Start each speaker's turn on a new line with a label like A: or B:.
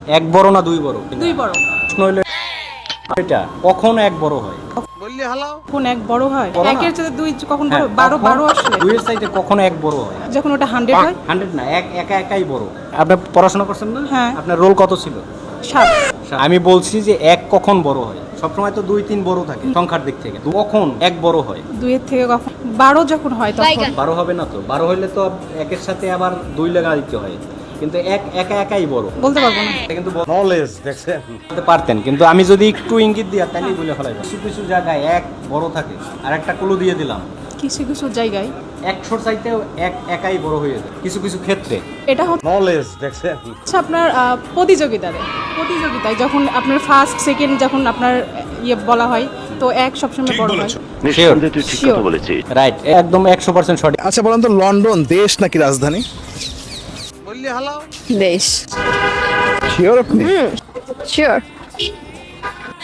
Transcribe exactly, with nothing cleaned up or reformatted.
A: এক বড় না দুই বড়?
B: দুই বড়।
A: প্রশ্ন হলো এটা কখন এক বড় হয়?
C: বললি হালাও
B: কোন এক বড় হয়?
A: বড় না?
B: একের চেয়ে দুই কখন বড়?
A: হ্যাঁ,
B: বারো
A: কখন
B: বারো আসলে
A: দুইয়ের চাইতে কখন এক বড় হয়?
B: যখন ওটা হান্ড্রেড হয়।
A: হান্ড্রেড না, এক একা একাই বড়। আপনি পড়াশোনা করছেন না?
B: হ্যাঁ।
A: আপনার রোল কত ছিল?
B: সাত।
A: আমি বলছি যে এক কখন বড় হয়? সবসময় তো দুই তিন বড় থাকে সংখ্যার দিক থেকে, কখন এক বড় হয়?
B: দুইয়ের থেকে কখন বারো যখন হয় তখন।
A: বারো হবে না তো, বারো হইলে তো একের সাথে আবার দুই লাগা দিতে হয়, কিন্তু এক একা একাই বড়।
B: বলতে পারবো না।
A: এটা কিন্তু
C: নলেজ দেখছেন
A: বলতে পারতেন, কিন্তু আমি যদি একটু ইঙ্গিত দিই তাহলেই বলে ফেলাই। কিছু কিছু জায়গায় এক বড় থাকে, আর একটা ক্লু দিয়ে দিলাম,
B: কিছু কিছু জায়গায়
A: একশোর চাইতেও এক একাই বড় হয়ে যায় কিছু কিছু ক্ষেত্রে।
B: এটা হচ্ছে
C: নলেজ দেখছেন
B: আপনার আহ, প্রতিযোগিতায় প্রতিযোগিতায় যখন আপনার ফার্স্ট সেকেন্ড যখন আপনার ইয়ে বলা হয় তো এক সবসময় বড় হয়।
D: নিঃসন্দেহে তুই ঠিক কথা
B: Sure.
D: বলেছিস।
A: রাইট, একদম একশো পার্সেন্ট সঠিক।
E: আচ্ছা বলেন তো, লন্ডন দেশ নাকি রাজধানী?
C: বললি হালাও
F: দেশ।
E: শিওর আপনি?
F: শিওর।